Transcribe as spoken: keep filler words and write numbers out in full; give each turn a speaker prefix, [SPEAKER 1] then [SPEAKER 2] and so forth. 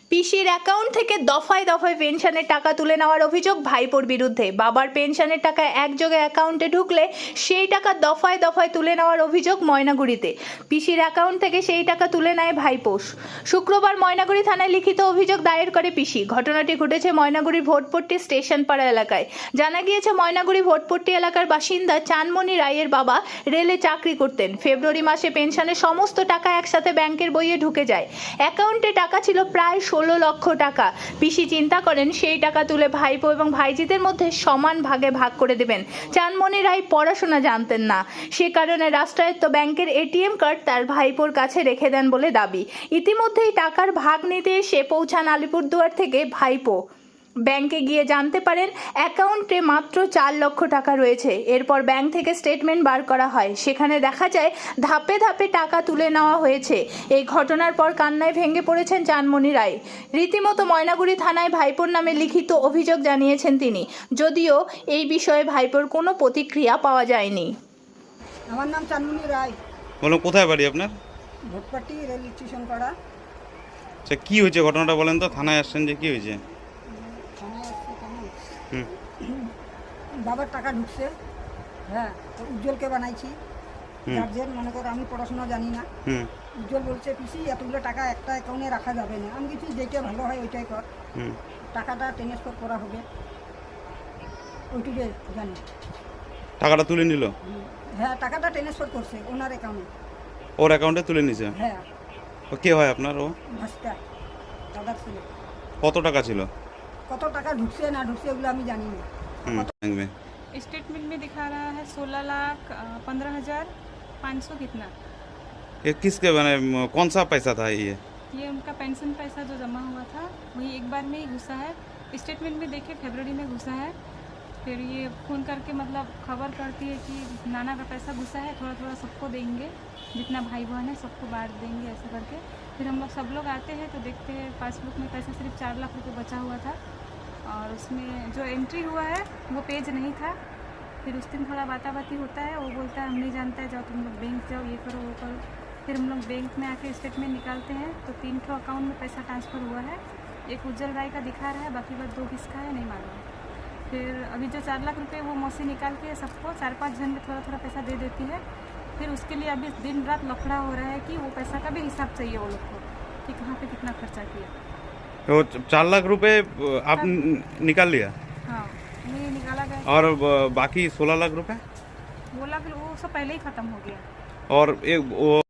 [SPEAKER 1] পিসির অ্যাকাউন্ট থেকে দফায় দফায় পেনশনের টাকা তুলে নেওয়ার অভিযোগ ভাইপোর বিরুদ্ধে। বাবার পেনশনের টাকা একযোগে অ্যাকাউন্টে ঢুকলে সেই টাকা দফায় দফায় তুলে নেওয়ার অভিযোগ ময়নাগুড়িতে। পিসির অ্যাকাউন্ট থেকে সেই টাকা তুলে নেয় ভাইপো। শুক্রবার ময়নাগুড়ি থানায় লিখিত অভিযোগ দায়ের করে পিসি। ঘটনাটি ঘটেছে ময়নাগুড়ির ভোটপট্টি স্টেশনপাড়া এলাকায়। জানা গিয়েছে ময়নাগুড়ি ভোটপট্টি এলাকার বাসিন্দা চানমণি রায়ের বাবা রেলে চাকরি করতেন। ফেব্রুয়ারি মাসে পেনশনের সমস্ত টাকা একসাথে ব্যাংকের বইয়ে ঢুকে যায়। অ্যাকাউন্টে টাকা ছিল প্রায় ষোলো লক্ষ টাকা। পিসি চিন্তা করেন সেই টাকা তুলে ভাইপো এবং ভাইজিদের মধ্যে সমান ভাগে ভাগ করে দেবেন। চানমণি রায় পড়াশোনা জানতেন না, সে কারণে রাষ্ট্রায়ত্ত ব্যাংকের এটিএম কার্ড তার ভাইপোর কাছে রেখে দেন বলে দাবি। ইতিমধ্যেই টাকার ভাগ নিতে এসে পৌঁছান আলিপুরদুয়ার থেকে ভাইপো। ব্যাংকে গিয়ে জানতে পারেন অ্যাকাউন্টে মাত্র চার লক্ষ টাকা রয়েছে। এরপর ব্যাংক থেকে স্টেটমেন্ট বার করা হয়, সেখানে দেখা যায় ধাপে ধাপে টাকা তুলে নেওয়া হয়েছে। এই ঘটনার পর কান্নায় ভেঙে পড়েছেন চানমণি রায়। রীতিমতো ময়নাগুড়ি থানায় ভাইপোর নামে লিখিত অভিযোগ জানিয়েছেন তিনি, যদিও এই বিষয়ে ভাইপোর কোনো প্রতিক্রিয়া পাওয়া যায়নি।
[SPEAKER 2] আমার নাম চানমণি রায়।
[SPEAKER 3] বলুন, কোথায় বাড়ি আপনার?
[SPEAKER 2] ভোটপাটি রেল স্টেশন পাড়া।
[SPEAKER 3] আচ্ছা, কি হয়েছে ঘটনাটা বলেন তো, থানায় আসছেন যে কি হয়েছে?
[SPEAKER 2] থানায় আসছে কেন?
[SPEAKER 3] হুম
[SPEAKER 2] বাবার টাকা ঢুকছে, হ্যাঁ, তো উজ্জ্বলকে বানাইছি
[SPEAKER 3] হুম
[SPEAKER 2] গার্জেন, মনে করো আমি পড়াশোনা জানি না।
[SPEAKER 3] হুম
[SPEAKER 2] উজ্জ্বল বলছে পিসি এতগুলো টাকা একটা অ্যাকাউন্টে রাখা যাবে না। আমি কিছু যেটা ভালো হয় ওইটাই কর,
[SPEAKER 3] হুম
[SPEAKER 2] টাকাটা ট্রান্সফার করা হবে ওইটুকু জানি।
[SPEAKER 3] টাকাটা তুলে নিল?
[SPEAKER 2] হ্যাঁ, টাকাটা ট্রান্সফার করছে ওনার অ্যাকাউন্টে।
[SPEAKER 3] ওর অ্যাকাউন্টে তুলে নিছে?
[SPEAKER 2] হ্যাঁ,
[SPEAKER 3] ও কে হয় আপনার? ও
[SPEAKER 2] ভাস্তা দাদার ছিল।
[SPEAKER 3] কত টাকা ছিল?
[SPEAKER 2] কত টাকা ঢুকছে না ঢুকছে ওগুলো আমি জানি না।
[SPEAKER 3] হুম बैंक में
[SPEAKER 4] स्टेटमेंट में दिखा रहा है सोलह लाख पंद्रह हज़ार पाँच सौ कितना।
[SPEAKER 3] ये किसके बने, कौन सा पैसा था ये?
[SPEAKER 4] ये उनका पेंशन पैसा जो जमा हुआ था वही एक बार में ही घुसा है। स्टेटमेंट में देखे फरवरी में घुसा है। फिर ये फ़ोन करके मतलब खबर करती है कि नाना का पैसा घुसा है, थोड़ा थोड़ा सबको देंगे, जितना भाई बहन है सबको बांट देंगे, ऐसा करके। फिर हम लोग सब लोग आते हैं तो देखते हैं पासबुक में पैसा सिर्फ चार लाख रुपये बचा हुआ था और उसमें जो एंट्री हुआ है वो पेज नहीं था। फिर उस दिन थोड़ा बाता बाती होता है, वो बोलता है हम नहीं जानता है, जाओ तुम लोग बैंक जाओ, ये करो वो करो। फिर हम लोग बैंक में आके स्टेटमेंट निकालते हैं तो तीन ठो अकाउंट में पैसा ट्रांसफ़र हुआ है। एक उज्जवल राय का दिखा रहा है, बाकी बात दो किसका है नहीं मालूम। फिर अभी जो चार लाख रुपए वो मौसी निकाल के सबको चार पाँच जन में थोड़ा थोड़ा पैसा दे देती है। फिर उसके लिए अभी दिन रात लफड़ा हो रहा है कि वो पैसा का भी हिसाब चाहिए वो लोग को कि कहाँ पे कितना खर्चा किया।
[SPEAKER 3] तो चार लाख रुपए आप निकाल लिया
[SPEAKER 4] हाँ, ये निकाला गया
[SPEAKER 3] और बाकी सोलह लाख रुपए?
[SPEAKER 4] बोला फिर वो सब पहले ही ख़त्म हो गया।
[SPEAKER 3] और एक वो